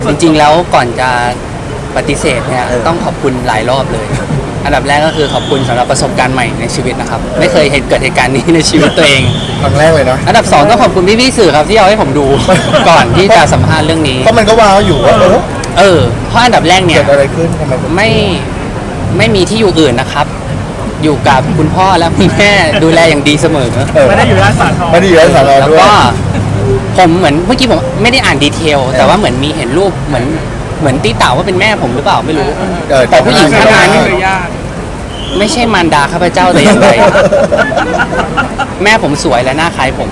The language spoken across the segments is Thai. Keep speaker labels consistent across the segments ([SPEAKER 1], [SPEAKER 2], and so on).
[SPEAKER 1] จริงๆแล้วก่อนจะปฏิเสธเนี่ยต้องขอบคุณหลายรอบเลย อันดับแรกก็คือขอบคุณสำหรับประสบการณ์ใหม่ในชีวิตนะครับไม่เคยเกิดเหตุการณ์นี้ในชีวิตตัวเอง
[SPEAKER 2] ครั้งแรกเลยนะ
[SPEAKER 1] อันดับ2ต้องขอบคุณพี่ๆสื่อครับที่เอาให้ผมดู ก่อนที่จะสัมภาษณ์เรื่องนี้
[SPEAKER 2] เพราะมันก็ว้าวอยู่ว่า
[SPEAKER 1] เพราะอันดับแรกเนี่ย
[SPEAKER 2] เกิดอะไรขึ้นทำไมถึง
[SPEAKER 1] ไม่มีที่อยู่อื่นนะครับ อยู่กับคุณพ่อและคุณแม่ดูแลอย่างดีเสมอ
[SPEAKER 3] ไม่ได้อยู่ร้านสาทร
[SPEAKER 2] ไม่ได้อยู่ในสาร
[SPEAKER 1] แล้ว
[SPEAKER 2] ด้วย
[SPEAKER 1] ก็ผมเหมือนเมื่อกี้ผมไม่ได้อ่านดีเทล แต่ว่าเหมือนมีเห็นรูปเหมือนตีเต่าว่าเป็นแม่ผมหรือเปล่าไม่รู้ แต่ผู้หญิงท่านนั้น
[SPEAKER 3] ญาติ
[SPEAKER 1] ไม่ใช่มารดาข้าพเจ้าแต่อย่างใดแม่ผมสวยและหน้าคล้ายผม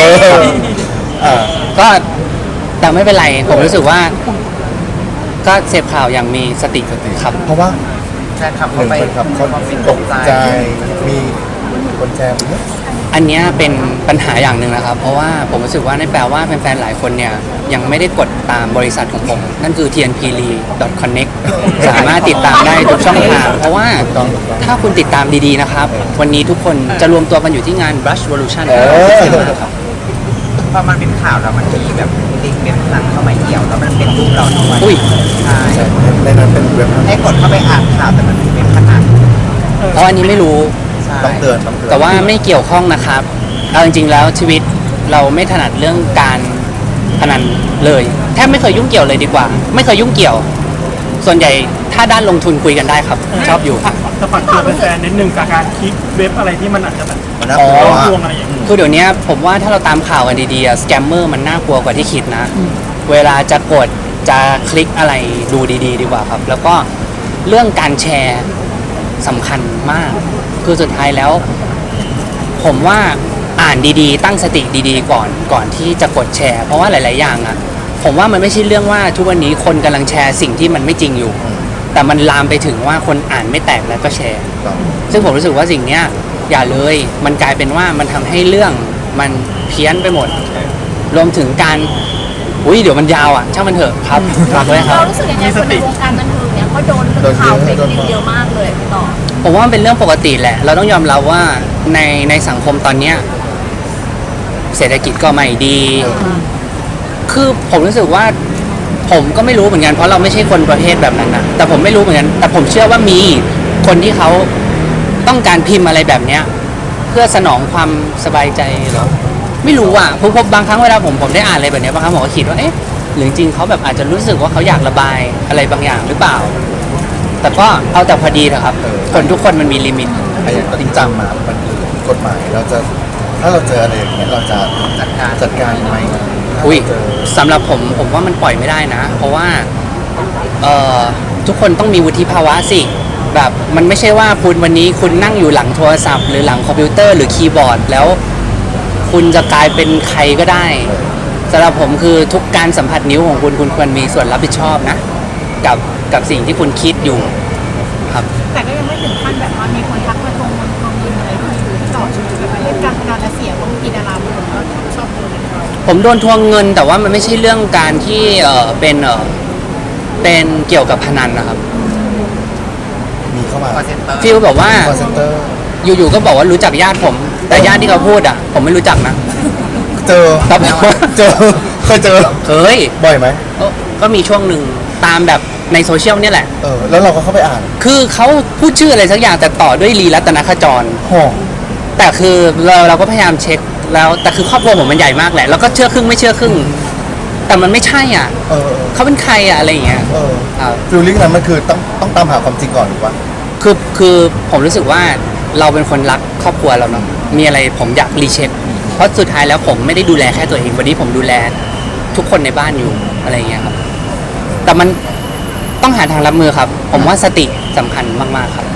[SPEAKER 1] ก็แต่ไม่เป็นไรผมรู้สึกว่า ก็เสพข่าวอย่างมีสติครับ
[SPEAKER 2] เพราะว่า
[SPEAKER 4] แฟนคลับ
[SPEAKER 2] ห
[SPEAKER 4] เขา
[SPEAKER 2] นึ่ง
[SPEAKER 4] ไป
[SPEAKER 2] เป็นครับเขาตกใจมีคนแชร์ไหม
[SPEAKER 1] อันเนี้ยเป็นปัญหาอย่างหนึ่งนะครับ เพราะว่าผมรู้สึกว่านั่นแปลว่าแฟนๆหลายคนเนี่ยยังไม่ได้กดตามบริษัทของผม นั่นคือ tnpli.connect สามารถติดตามได้ทุกช่องทาง เพราะว่าถ้าคุณติดตามดีๆนะครับ วันนี้ทุกคนจะรวมตัวกันอยู่ที่งาน Brush Revolution ครับ
[SPEAKER 4] พอมันเป็นข่าวแล้วมันมีแบบลิงก์เว็บพนันเข้ามาเกี่ยวแล้วมันเป็นรูปเราทั้งวัน
[SPEAKER 1] อุ้ย
[SPEAKER 4] ใช่
[SPEAKER 2] ในนั้นเป็นเว็บ
[SPEAKER 4] ให้กดเข้าไปอ่านข่าวแต่มันเป็นเว็บพนัน
[SPEAKER 1] เพราะอันนี้ไม่รู้
[SPEAKER 4] ใช่
[SPEAKER 2] ต้องเตือนต้องเตือน
[SPEAKER 1] แต่ว่าไม่เกี่ยวข้องนะครับเอาจริงๆแล้วชีวิตเราไม่ถนัดเรื่องการพนันเลยแทบไม่เคยยุ่งเกี่ยวเลยดีกว่า ไม่เคยยุ่งเกี่ยว ส่วนใหญ่ถ้าด้านลงทุนคุยกันได้ครับ ชอบอยู่
[SPEAKER 3] จะฝากเตือนแฟนๆนิดนึงกับการคลิกเว็บอะไรที่มันอาจจะแบบ
[SPEAKER 2] มันน่า
[SPEAKER 1] อ๋
[SPEAKER 2] ก
[SPEAKER 1] อ
[SPEAKER 2] ลัว
[SPEAKER 3] ลวงอะไรอย่างเงี้ย
[SPEAKER 1] คือเดี๋ยวนี้ผมว่าถ้าเราตามข่าวกันดีๆสแกมเมอร์มันน่ากลัวกว่าที่คิดนะ เวลาจะกดจะคลิกอะไรดูดีๆ ดีกว่าครับ แล้วก็เรื่องการแชร์สำคัญมาก คือสุดท้ายแล้ว ผมว่าอ่านดีๆ ตั้งสติดีๆ ก่อนที่จะกดแชร์ เพราะว่าหลายๆอย่างอะผมว่ามันไม่ใช่เรื่องว่าทุกวันนี้คนกำลังแชร์สิ่งที่มันไม่จริงอยู่ แต่มันลามไปถึงว่าคนอ่านไม่แตกแล้วก็แชร์ ซึ่งผมรู้สึกว่าสิ่งเนี้ยอย่าเลย มันกลายเป็นว่ามันทำให้เรื่องมันเพี้ยนไปหมด รวมถึงการเดี๋ยวมันยาวอ่ะช่างมันเถอะครับฝากไว้ครับ
[SPEAKER 5] เรารู้สึกยังไงคนในวงการบันเทิงเนี่ยก็โดนเรื่องข่าวเฟกนิวเยอะมากเลยพี่ต่อ
[SPEAKER 1] ผมว่ามันเป็นเรื่องปกติแหละ เราต้องยอมรับว่าในสังคมตอนเนี้ยเศรษฐกิจก็ไม่ดี คือผมรู้สึกว่า ผมก็ไม่รู้เหมือนกันเพราะเราไม่ใช่คนประเภทแบบนั้นนะแต่ผมไม่รู้เหมือนกันแต่ผมเชื่อว่ามีคนที่เขาต้องการพิมพ์อะไรแบบเนี้ย เพื่อสนองความสบายใจเหรอไม่รู้อ่ะผมบางครั้งเวลาผมได้อ่านอะไรแบบเนี้ยบางครั้งผมก็คิดว่าเอ๊ะหรือจริงๆเขาแบบอาจจะรู้สึกว่าเขาอยากระบายอะไรบางอย่างหรือเปล่า แต่ก็เอาแต่พอดีเถอะครับคนทุกคนมันมีลิมิต
[SPEAKER 2] ไอ้จริงจังมามันคือกฎหมายเราจะถ้าเราเจออะไรอย่างเงี้ยเราจะจัดการยังไง
[SPEAKER 1] อุ้ยสำหรับผมว่ามันปล่อยไม่ได้นะ เพราะว่าทุกคนต้องมีวุฒิภาวะสิแบบมันไม่ใช่ว่าคุณวันนี้คุณนั่งอยู่หลังโทรศัพท์หรือหลังคอมพิวเตอร์หรือคีย์บอร์ดแล้ว คุณจะกลายเป็นใครก็ได้สำหรับผมคือทุกการสัมผัสนิ้วของคุณควรมีส่วนรับผิดชอบนะกับสิ่งที่คุณคิดอยู่ครับ
[SPEAKER 5] แต่ก็ยังไม่ถึงขั้นแบบว่ามีคนทักมาทวงเงินอะไรที่ต่อชีวิตแบบเล่นการพนันและเสียบางทีดาราบางคนก็ชอบดูเลย
[SPEAKER 1] ผมโดนทวงเงินแต่ว่ามันไม่ใช่เรื่องการที่เป็นเกี่ยวกับพนันนะครับ
[SPEAKER 2] มีเข้ามา
[SPEAKER 4] คอเซ็นเตอร์
[SPEAKER 1] ฟีลแบบว่า
[SPEAKER 2] คอเซ็นเตอร์
[SPEAKER 1] อยู่ๆก็บอกว่ารู้จักญาติผม แต่ญาติที่เขาพูดอ่ะ ผมไม่รู้จักนะ
[SPEAKER 2] เจอ
[SPEAKER 1] แต่บอกว่า
[SPEAKER 2] เจอเคยเจอ
[SPEAKER 1] เคย
[SPEAKER 2] บ่อยไหม
[SPEAKER 1] ก็มีช่วงหนึ่งตามแบบในโซเชียลเนี่ยแหละ
[SPEAKER 2] แล้วเราก็เข้าไปอ่าน
[SPEAKER 1] คือเขาพูดชื่ออะไรสักอย่างแต่ต่อด้วยลีรัตนขจร
[SPEAKER 2] ห่อ
[SPEAKER 1] แต่คือเราก็พยายามเช็คแล้วแต่คือครอบครัวผมมันใหญ่มากแหละแล้วก็เชื่อครึ่งไม่เชื่อครึ่ง แต่มันไม่ใช่อ่ะ
[SPEAKER 2] เออ
[SPEAKER 1] เขาเป็นใครอ่ะอะไรอย่างเงี้ยครับ
[SPEAKER 2] ฟิลลิ่งนั้นมันคือต้องตามหาความจริงก่อนหรือว่า
[SPEAKER 1] คือผมรู้สึกว่าเราเป็นคนรักครอบครัวเราเนาะมีอะไรผมอยากรีเช็คเพราะสุดท้ายแล้วผมไม่ได้ดูแลแค่ตัวเองวันนี้ผมดูแลทุกคนในบ้านอยู่อะไรอย่างเงี้ยครับแต่มันต้องหาทางรับมือครับ ผมว่าสติสำคัญมากๆครับ